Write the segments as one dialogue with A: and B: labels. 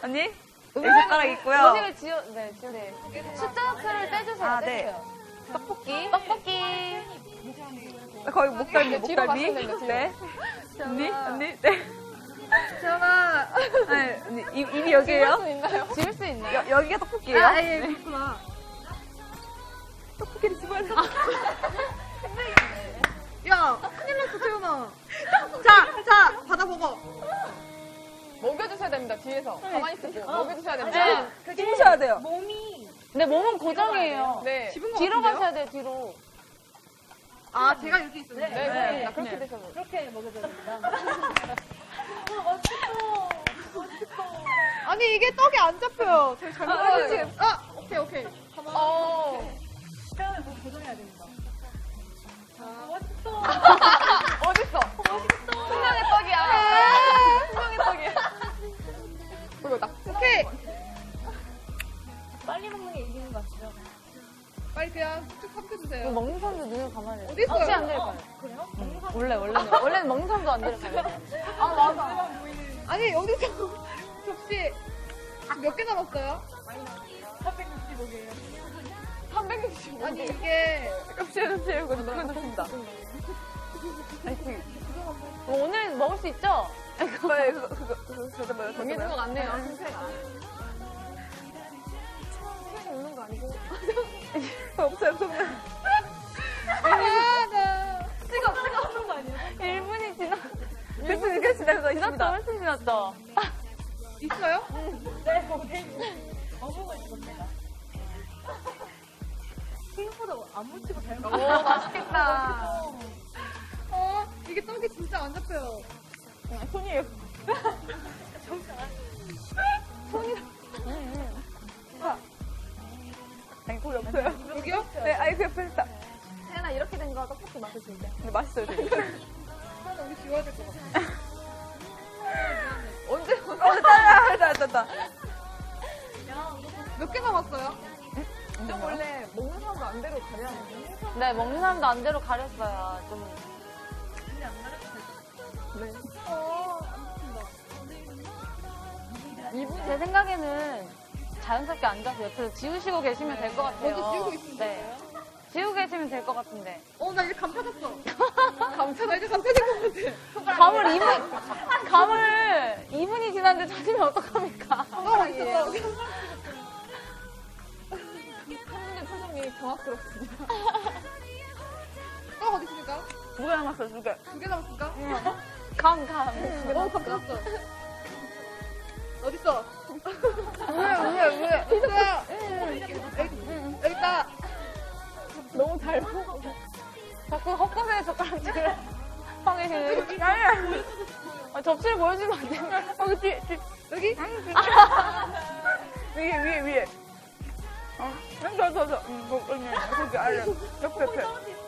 A: 언니? 여기 젓가락 있고요.
B: 음식을 네. 숫자표를 떼주세요.
A: 아,
B: 떼주세요.
A: 네.
B: 떡볶이.
A: 거의 목덜미,
B: 뒤로
A: 목덜미.
B: 가시면 돼요, 뒤로.
A: 네. 언니? 언니? 네.
C: 지연아.
A: 네, 언니, 입이 여기에요?
B: 지울 수 있나요?
A: 여기가 떡볶이에요?
C: 아, 예, 그렇구나.
A: 떡볶이를 집어야 돼.
C: 야, 큰일 났어, 지연아. 자, 받아 먹어.
B: 먹여주셔야 됩니다, 뒤에서. 가만히 있을게요. 먹여주셔야 됩니다.
A: 네. 집으셔야 돼요.
B: 네, 몸은 고정이에요. 네.
C: 집은 것
B: 뒤로
C: 같은데요?
B: 가셔야 돼요, 뒤로.
C: 아, 제가 이렇게 있었는데.
B: 네, 그렇습니다. 그렇게 되셔도.
C: 아니, 이게 떡이 안 잡혀요. 저희 잘못 알았지? 아, 오케이. 가만.
B: 어딨어? 분명히 떡이야. 분명히 떡이야. 그리고 딱.
C: 오케이.
D: 빨리 먹는 게 이기는 것 같아요.
C: 빨리 그냥 쭉 삼켜주세요.
B: 먹는 사람도 눈을 감아야 돼.
C: 어디 있어요?
B: 혹시 안 될까요?
D: 그래요?
B: 원래는 먹는 사람도 안 될까요? 아, 맞아.
C: 아니, 여기서 접시 몇 개 남았어요?
B: 365개.
C: 아니, 이게.
A: 껍질은 채우고 누구는 줍니다.
B: 오늘 먹을 수 있죠?
A: 그거, 잠깐만요.
B: 정해진 것 같네요.
A: 없어요.
C: 아, 나.
B: 1분이
A: 됐으니까 지나가
B: 지났다.
A: 있습니다.
B: 훨씬 지났다.
C: 있어요?
D: 어묵을 입었네요. 생각보다 안 묻히고 잘
B: 오,
D: 먹어요.
B: 맛있겠다.
C: 이게 떡이 진짜 안 잡혀요.
A: 손이에요. 아니, 거기 없어요.
C: 여기요?
A: 네, 아이, 그 옆에 있다.
B: 태연아, 이렇게 된 거 떡볶이 맛을 줄게.
A: 근데 맛있어요, 되게.
C: 하나 여기 지워야 될 것 같아.
B: 언제?
A: 됐다.
C: 몇 개 남았어요?
B: 좀 원래 먹는 사람도 안 대로 가려야 돼. 네, 먹는 사람도 안 대로 가렸어요. 좀. 제 생각에는 자연스럽게 앉아서 옆에서 지우시고 계시면 될 것 같아요.
C: 먼저 지우고 있으면
B: 네. 지우고 계시면 될 것 같은데.
C: 나 이제 감 찾았어. 나 이제 감 찾은 것 같아.
B: 감을 2분이 지났는데 찾으면 어떡합니까?
C: 떡 있어.
B: 한분의 표정이 경악스럽습니다.
C: 떡 어디 있습니까?
A: 두 개 남았어요, 두 개.
C: 2개 남았습니까?
B: 감.
C: 감 찾았어. 어딨어?
A: 위에.
C: 있어요. 여기 있다.
B: 너무 잘 먹어. 자꾸 헛것에 젓가락질을 하고 계시네. 접시를 보여주면 안 돼요?
A: 여기 뒤에.
C: 여기?
A: 위에. 저. 거기 아래. 옆에.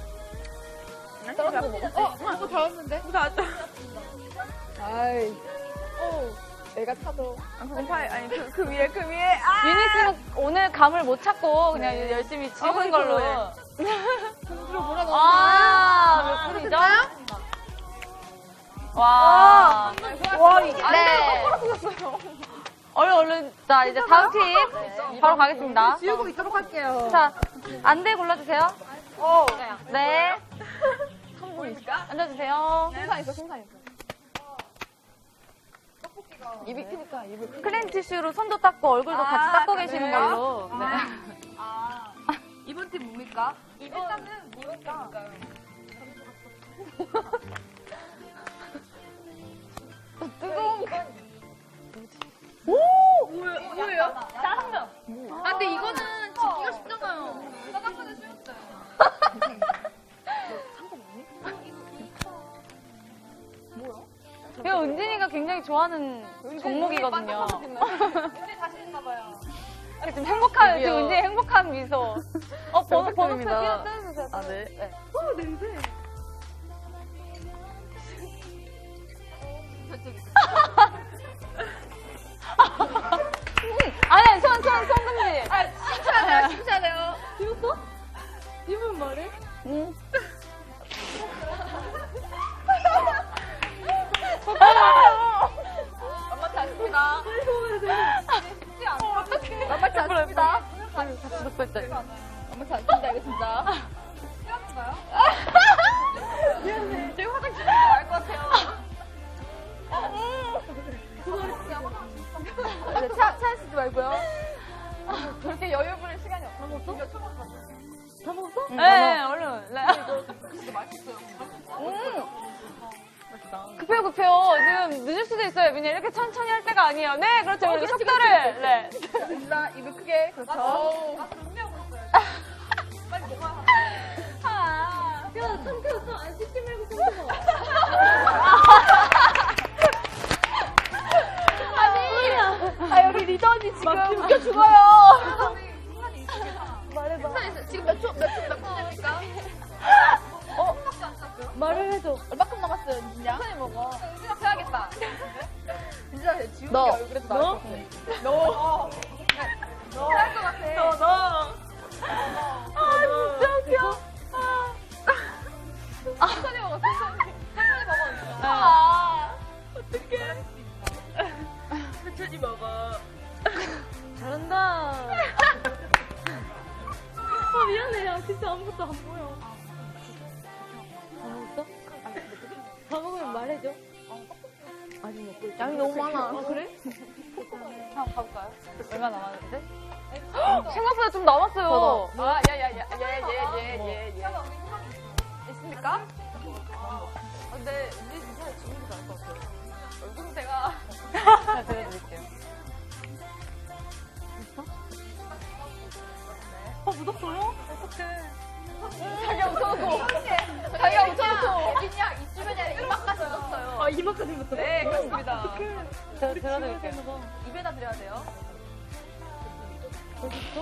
B: 떨어져 먹어.
C: 너무 다 왔는데?
A: 다 왔죠?
B: 아이. 내가 타도.
A: 그건 파이, 아니, 그 위에. 아!
B: 유니 씨는 오늘 감을 못 찾고 그냥 열심히 지우는 걸로.
C: 공주로 몰아넣었어요.
B: 몇 분이죠? 와. 네. 얼른. 자, 이제 다음 팀 바로 가겠습니다.
C: 지우고 있도록 할게요.
B: 자, 안대 골라주세요. 네. 앉아주세요. 심사 있어. 입이 크니까 입을. 클렌 티슈로 손도 닦고 얼굴도 같이 닦고 계시는 걸로. 네.
A: 이번 팀 뭡니까?
C: 일단은 뭐랄까.
B: 뜨거운.
C: 뭐예요?
B: 짜장면.
C: 아, 근데 이거는 짓기가 쉽잖아요. 짜장면은 쉬웠어요.
B: 이거 은진이가 굉장히 좋아하는 종목이거든요.
C: 근데 자신 있나봐요.
B: 지금 행복한, 지금 은진이 행복한 미소. 번호표
A: 입니다.
B: 띄워주세요.
A: 아, 네.
C: 냄새.
B: 아니, 손 금지.
C: 진짜네요.
B: 지웠어? 입은 말해? 응.
C: 엄마 다 했습니다.
B: 같이 듣고 있어요.
A: 너무 잘 쓴다, 이거 진짜.
C: 미안해.
A: 저희 화장실 갈것 같아요. 차에 쓰지 말고요. 그렇게 여유 부릴 시간이 없어.
B: 다 먹었어? 다 먹었어?
A: 응,
B: 네, 얼른. 네. 급해요, 급해요. 지금 늦을 수도 있어요. 그냥 이렇게 천천히 할 때가 아니에요. 네, 그렇죠. 우리 속도를. 네.
A: 일단 입을 크게. 그렇죠.
B: 아.
D: 야, 삼켰어. 안 씻지 말고 삼켜.
A: 여기 리더 언니 지금 웃겨 죽어요.
D: 말해봐.
A: 지금 몇 분입니까?
D: 말을 해줘.
A: 얼마큼 남았어요, 민지야? 천천히 먹어. 생각해야겠다. 민지야, 지우개
B: 너.
A: 얼굴에서 나올 것 같아. 너. 할것 같아.
B: 너. 아, 진짜 웃겨.
A: 천천히 먹어, 천천히. 천천히 먹어.
B: 어떡해. 천천히 먹어. 잘한다.
D: 아, 미안해. 야, 진짜 아무것도 안 보여. 다 먹었어? 다 먹으면 말해줘. 아직 먹고 있어.
A: 양이 너무 많아.
D: 아, 그래?
B: 한번 가볼까요? 얼마 남았는데? 생각보다 좀 남았어요.
A: 예. 있습니까? 근데 이제 진짜 지금도 나을 것 같아요. 얼굴 상태가.
B: 잘 들어드릴게요.
D: 묻었어요?
A: 자기가 웃어놓고. 자기가 웃어놓고. 예빈이야, 이쯤이 아니라 이만까지 웃었어요.
D: 아, 이만까지 묻었어?
A: 네, 그렇습니다.
B: 제가 들어드릴게요.
A: 입에다 드려야 돼요.
D: 어딨어?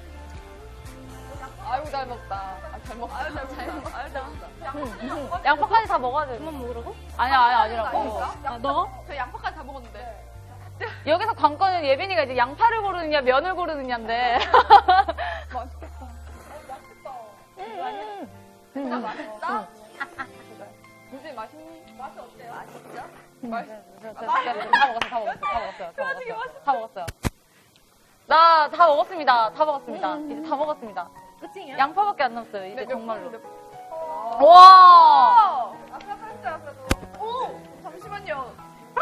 A: 아이고, 잘 먹다. 잘 먹다. 아유, 잘 먹다. 아유, 잘 먹다.
B: 양파까지 다 먹어야 돼요.
D: 그만 먹으라고?
B: 아니야, 아니라고.
D: 아, 너?
A: 저 양파까지 다 먹었는데.
B: 여기서 관건은 예빈이가 이제 양파를 고르느냐, 면을 고르느냐인데.
A: 맛있겠다. 진짜 맛있다? 요즘 맛이 어때요? 맛있죠?
B: 다 먹었어요. 나 다 먹었습니다. 다 먹었습니다. 이제 다 먹었습니다.
D: 끝이야?
B: 양파밖에 안 남았어요. 이제
A: 몇
B: 정말로.
A: 분?
B: 와!
A: 아까 했어요, 그래도. 오! 잠시만요.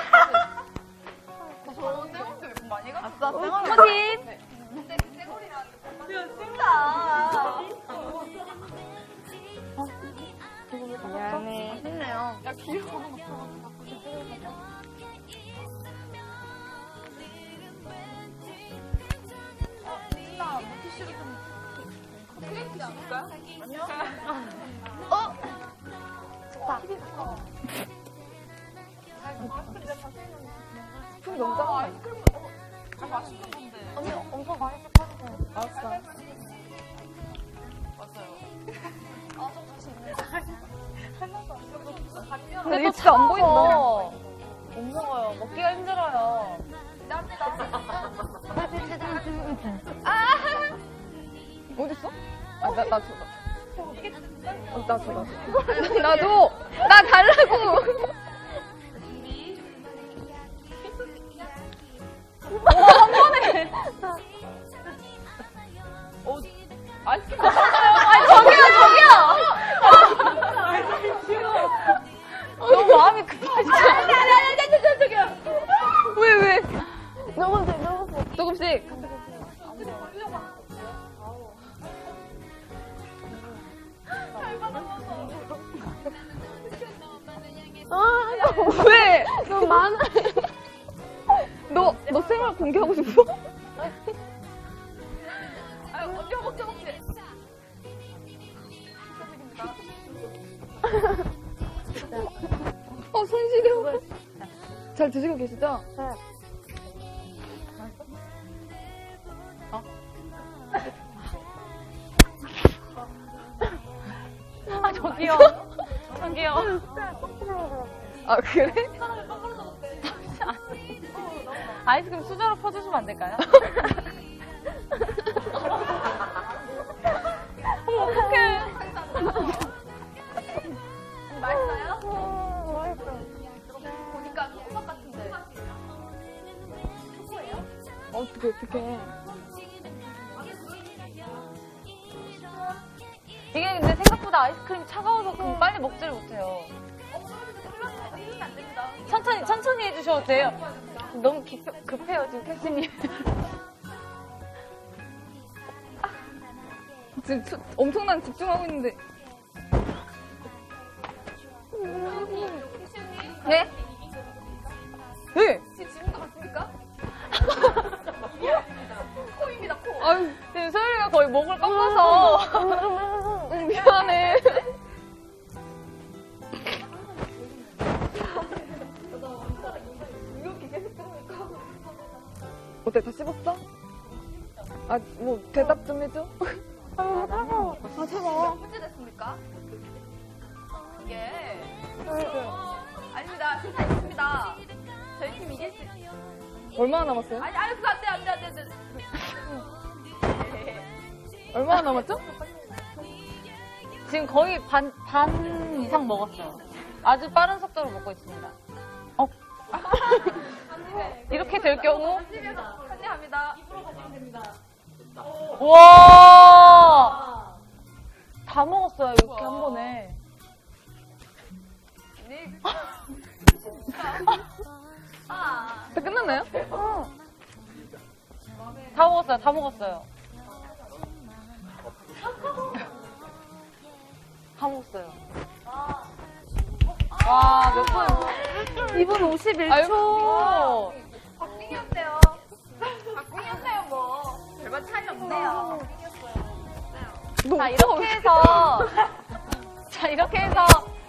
A: 저 쌩얼도 몇 분 많이 갔어. 아싸,
B: 코팀.
A: 근데 그 쌩얼이라는 게 진짜.
B: 미안해.
A: 맛있네요. 야, 귀여워. 나 물티슈를 좀 크게 쓰지 않을까요? 아니요. 스푼이 너무 작아. 아이스크림, 맛있는 건데.
B: 언니 엄청 맛있어 파주세요.
A: 알았어. 맞아요. 아, 좀 자신 있네.
B: 근데 또 진짜 안 보인다. 못 먹어요. 먹기가 힘들어요.
A: 어딨어? 아, 나 줘. 나 줘. 나 줘. 나 달라고.
B: 한 번에.
A: 아이스크림.
B: 아니 저기요. 너무 마음이 급하시죠?
A: 왜?
B: 조금씩.
A: 왜? 너무 많아. 너 생활 공개하고 싶어? 아유, 언니 허벅지. 손 시려. 잘 드시고 계시죠?
B: 네. 아 저기요.
A: 아, 그래?
B: 아이스크림 수저로 퍼주시면 안 될까요? 어떡해.
A: 맛있어요? 보니까 초코맛 같은데. 초코예요? 어떡해.
B: 이게 근데 생각보다 아이스크림이 차가워서 빨리 먹지를 못해요. 천천히 해주셔도 돼요. 너무 급해요, 지금 캐스님.
A: 지금 엄청난 집중하고 있는데. 네? 네.
C: 지금도 같습니까? 코입니다, 코.
A: 아유,
B: 지금 소율이가 거의 목을 꺾어서.
A: 미안해. 어때, 다 씹었어? 아, 뭐, 대답 좀 해줘. 아, 차가워.
C: 문제 됐습니까? 이게. 아닙니다. 실사 있습니다. 저희 팀 이길 수
A: 얼마나 남았어요?
C: 아니, 그거 안 돼.
A: 얼마나 남았죠?
B: 지금 거의 반 이상 먹었어요. 아주 빠른 속도로 먹고 있습니다. 이렇게 될 경우,
C: 한대합니다.
B: 와! 다 먹었어요, 이렇게 한 번에.
C: 아,
A: 다 끝났나요?
B: 다 먹었어요. 다 먹었어요. 와, 몇 분? 2분 51초.
C: 박빙이었대요. 박빙이었네요, 뭐. 별반 차이 없네요.
B: 자, 이렇게 해서,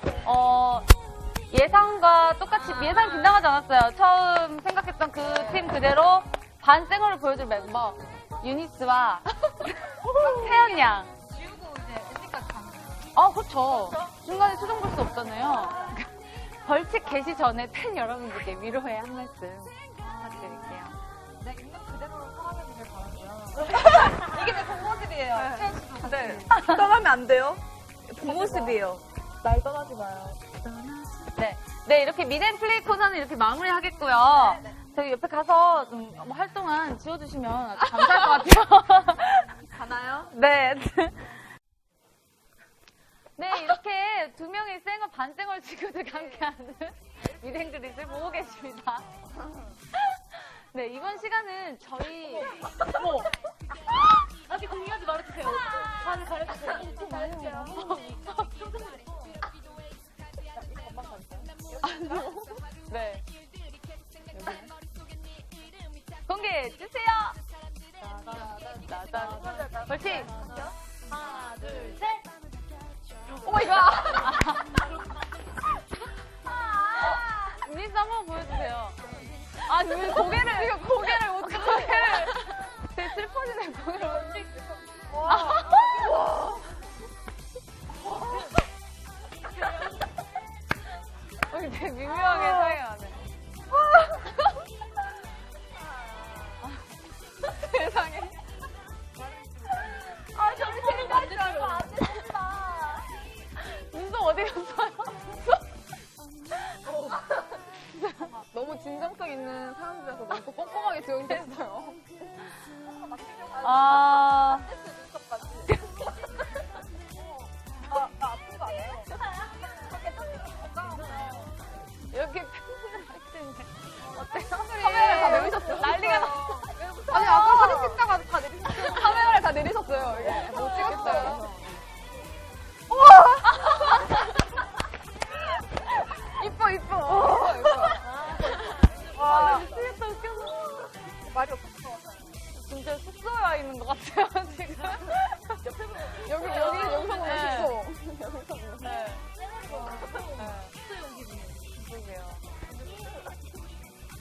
B: 예상과 똑같이, 예상 빗나가지 않았어요. 처음 생각했던 그 팀 그대로 반생얼을 보여줄 멤버, 유니스와 태연 양.
C: 지우고 이제 엔딩까지 가는
B: 그렇죠. 중간에 수정 볼 수 없잖아요. 벌칙 개시 전에 팬 여러분들께 위로의 한 말씀 부탁드릴게요.
C: 네, 있는 그대로 살아가기를 바라고요. 이게 제 본모습이에요.
A: 네. 떠나면 안 돼요. 본모습이에요. 날 떠나지 마요.
B: 네, 이렇게 미덴플레이 코너는 이렇게 마무리하겠고요. 저희 옆에 가서 좀 활동한 지워주시면 아주 감사할 것 같아요.
C: 가나요?
B: 네. 네, 이렇게 두 명의 쌩얼, 반쌩얼 친구들과 함께하는 미덴그릿을 보고 계십니다. 네, 이번 시간은 저희, 아직 공유하지 말아주세요. 반 가르쳐주세요.
C: 잘했어요.
B: 네. 공개해 주세요. 벌칙.
C: 하나, 둘, 셋.
B: 오 마이 갓. 미스 한번 보여주세요. 아니 왜 고개를 어떻게 되게 슬퍼지네 고개를 어떻게. 되게 미묘하게 차이가 나네. 세상에.
C: 저기 재밌다 줄 알고 안 됐다.
B: 눈썹 어디 갔어요?
A: 너무 진정성 있는 사람들이라서 너무 꼼꼼하게 지원했어요.
B: 아.
C: 나 아픈 거 아니에요?
B: 이렇게 팬분들 어때요?
A: 카메라를 다 내리셨어요.
B: 난리가 났어.
A: 아니, 아까 사진 찍다가 다 내리셨어요. 카메라를 다 내리셨어요. 이게 못 찍겠어요. 이뻐, 이뻐.
B: 와, 미치겠다, 웃겨서.
C: 말이 없을 것 같아요.
B: 진짜 숙소에 와 있는 것 같아요, 지금.
A: 여기